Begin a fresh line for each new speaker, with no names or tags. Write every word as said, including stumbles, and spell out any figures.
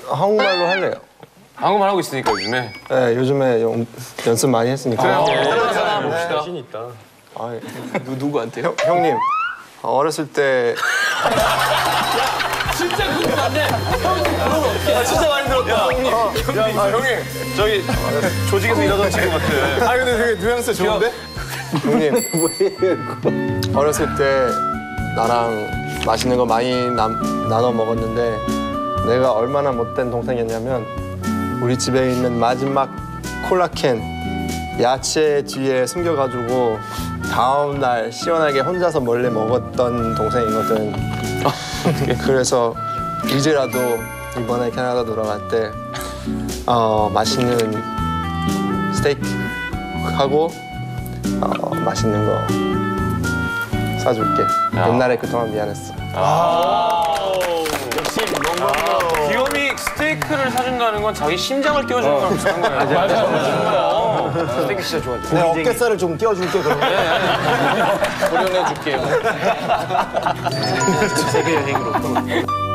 한국말로 할래요.
한국말 하고 있으니까 요즘에.
네, 요즘에 연, 연습 많이 했으니까.
그래요. 하나 봅시다.
자신 있다.
아,
누, 누구한테요?
형, 형님, 어렸을 때
진짜 궁금한데. 아, 진짜 많이 들었다. 형님.
야, 아, 형님, 저기 조직에서 일하던 친구 같아. 아, 근데 되게 뉘앙스 좋은데?
형님, 어렸을 때 나랑 맛있는 거 많이 남, 나눠 먹었는데 내가 얼마나 못된 동생이었냐면 우리 집에 있는 마지막 콜라캔 야채 뒤에 숨겨가지고 다음 날 시원하게 혼자서 몰래 먹었던 동생이거든. 그래서 이제라도 이번에 캐나다 돌아갈 때 어, 맛있는 스테이크 하고 어, 맛있는 거 사줄게.
야.
옛날에 그동안 미안했어.
역시 뭔가.
귀요미 스테이크를 사준다는 건 자기 심장을 띄워주는 거랑 비슷한 거예요. 맞아, 맞아. 스테이크 진짜 좋아하죠.
내 어깨살을 좀 띄워줄게 그러면.
고려내줄게요.
세계 여행으로.